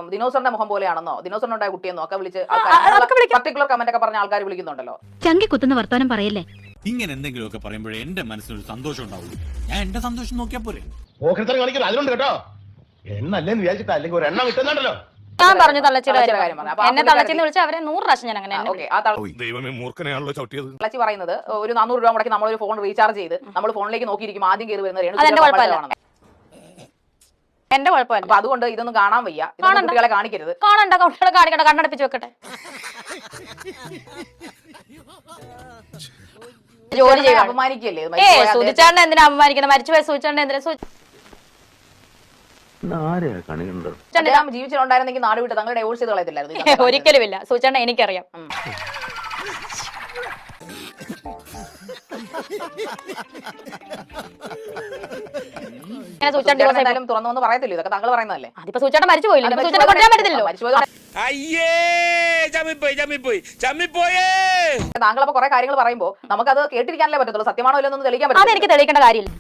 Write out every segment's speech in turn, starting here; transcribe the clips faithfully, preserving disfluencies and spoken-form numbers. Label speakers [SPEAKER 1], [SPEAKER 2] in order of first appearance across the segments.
[SPEAKER 1] ദിനോസറിന്റെ മുഖം പോലെയാണെന്നോ ദിനോസറിനുണ്ടായ കുട്ടിയെന്നോ ഒക്കെ വിളിച്ച് പർട്ടിക്കുലർ കമന്റ് ഒക്കെ പറഞ്ഞ ആൾക്കാർ വിളിക്കുന്നുണ്ടല്ലോ.
[SPEAKER 2] ചങ്കി കുത്തുന്ന വർത്താനം പറയല്ലേ.
[SPEAKER 3] ഇങ്ങനെ എന്തെങ്കിലുമൊക്കെ പറയുമ്പോഴേ എന്റെ മനസ്സിനൊരു സന്തോഷം ഉണ്ടാവുള്ളൂ. ഞാൻ എന്റെ സന്തോഷം നോക്കിയാ പോരെ.
[SPEAKER 4] അതിലുണ്ട് കേട്ടോ, എണ്ണല്ലേന്ന് വിചാരിച്ചിട്ട് അല്ലെങ്കിൽ ഒരു എണ്ണം കിട്ടുന്നുണ്ടല്ലോ.
[SPEAKER 5] ഞാൻ പറഞ്ഞു തള്ളച്ചിയുടെ കാര്യം പറഞ്ഞു. എന്നെ തള്ളച്ചിന്ന് വിളിച്ചാൽ അവരെ നൂറ് പ്രാവശ്യം ഞാൻ അങ്ങനെ
[SPEAKER 4] ദൈവമേ മൂർഖനെയാണല്ലോ ചവിട്ടിയത്.
[SPEAKER 1] തള്ളച്ചി പറയുന്നത് ഒരു നാനൂറ് രൂപ മുടക്കി നമ്മളൊരു ഫോൺ റീചാർജ് ചെയ്ത് നമ്മൾ ഫോണിലേക്ക് നോക്കിയിരിക്കും ആദ്യം കയറി വരുന്നത്
[SPEAKER 5] അതെന്റെ കുഴപ്പമല്ല, എന്റെ കുഴപ്പമല്ല.
[SPEAKER 1] അപ്പൊ അതുകൊണ്ട് ഇതൊന്നും കാണാൻ വയ്യ, കുട്ടികളെ കാണിക്കരുത്.
[SPEAKER 5] കാണണ്ട, കുട്ടികളെ കാണിക്കണ്ട, കണ്ണടപ്പിച്ച് വെക്കട്ടെ. ജോലി ചെയ്യാൻ
[SPEAKER 1] അപമാനിക്കല്ലേ?
[SPEAKER 5] സൂചിച്ചാണ്ട് എന്തിനാ അപമാനിക്കുന്നത്? മരിച്ചുപോയ സൂചിച്ചാണ്ട് എന്തിനാ?
[SPEAKER 1] ജീവിച്ചിട്ടുണ്ടായിരുന്നെങ്കിൽ നാട് വിട്ട് തങ്ങൾ ഡൈവോഴ്സ് ചെയ്ത് കളയത്തില്ലായിരുന്നു.
[SPEAKER 5] ഒരിക്കലും ഇല്ല. സൂചിച്ചാണ്ട് എനിക്കറിയാം.
[SPEAKER 1] തുറന്നു പറയത്തില്ല, ഇതൊക്കെ താങ്കൾ പറയുന്നതല്ലേ.
[SPEAKER 5] അതിപ്പോ സൂചിച്ചാണ്ട് മരിച്ചു പോയില്ല, സൂചിച്ചാണ്ട് കൊണ്ടുവരാൻ പറ്റത്തില്ലല്ലോ.
[SPEAKER 1] താങ്കൾ അപ്പൊ കുറെ കാര്യങ്ങൾ പറയുമ്പോ നമുക്കത് കേട്ടിരിക്കാനല്ലേ പറ്റത്തുള്ളൂ. സത്യമാണോ ഇല്ലെന്ന് തെളിയിക്കാൻ പറ്റും.
[SPEAKER 5] അതെനിക്ക് തെളിയിക്കേണ്ട കാര്യമില്ല.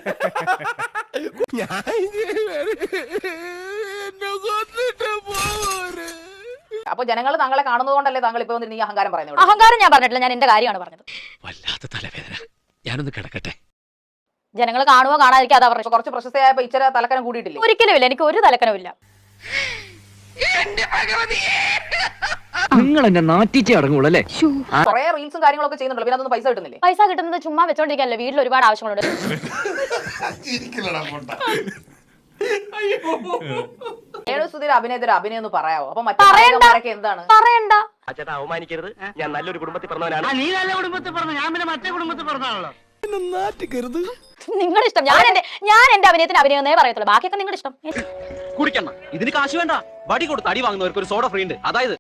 [SPEAKER 1] അപ്പൊ ജനങ്ങൾ താങ്കളെ കാണുന്നത് കൊണ്ടല്ലേ താങ്കൾ ഇപ്പൊ നീ അഹങ്കാരം പറയുന്നത്?
[SPEAKER 5] അഹങ്കാരം ഞാൻ പറഞ്ഞിട്ടില്ല, ഞാൻ എന്റെ കാര്യമാണ് പറഞ്ഞത്.
[SPEAKER 3] വല്ലാത്ത തലവേദന, ഞാനൊന്ന് കിടക്കട്ടെ.
[SPEAKER 5] ജനങ്ങൾ കാണുവോ കാണാതിരിക്കുക, അതാ പറഞ്ഞു.
[SPEAKER 1] കുറച്ച് പ്രശസ്തയായപ്പോ ഇച്ചിരി തലക്കനം കൂടിയിട്ടില്ല?
[SPEAKER 5] ഒരിക്കലും ഇല്ല, എനിക്ക് ഒരു തലക്കനവും ഇല്ല.
[SPEAKER 6] നിങ്ങൾ എന്നെ നാട്ടിച്ചേ അടങ്ങുള്ളൂ.
[SPEAKER 1] കുറെ റീൽസും കാര്യങ്ങളൊക്കെ ചെയ്യുന്നുണ്ടല്ലോ, പിന്നെ അതൊന്നും പൈസ കിട്ടുന്നില്ലേ?
[SPEAKER 5] പൈസ കിട്ടുന്നത് ചുമ്മാ വെച്ചോണ്ടിരിക്കല്ലോ, വീട്ടിൽ ഒരുപാട് ആവശ്യങ്ങളുണ്ട്.
[SPEAKER 1] അഭിനയത്തിന് അഭിനയം എന്ന് പറയാവോ? അപ്പൊ മറ്റേ എന്താണ്
[SPEAKER 5] പറയണ്ട.
[SPEAKER 6] അവമാനിക്കരുത്, ഞാൻ നല്ലൊരു കുടുംബത്തിൽ പറഞ്ഞവനാണ്. നീ നല്ല കുടുംബത്തിൽ പറഞ്ഞു, ഞാൻ പിന്നെ മറ്റേ കുടുംബത്തിൽ പറഞ്ഞാണല്ലോ.
[SPEAKER 5] നിങ്ങളുടെ ഇഷ്ടം. ഞാൻ എന്റെ ഞാൻ എന്റെ അഭിനയത്തിന് അഭിനയം എന്നേ പറയത്തുള്ളൂ, ബാക്കിയൊക്കെ നിങ്ങളുടെ ഇഷ്ടം.
[SPEAKER 6] കുടിക്കണം, ഇതിന് കാശ് വേണ്ട. വടി കൊടുത്ത് അടി വാങ്ങുന്നവർക്ക് ഒരു സോഡ ഫ്രീ ഉണ്ട്, അതായത്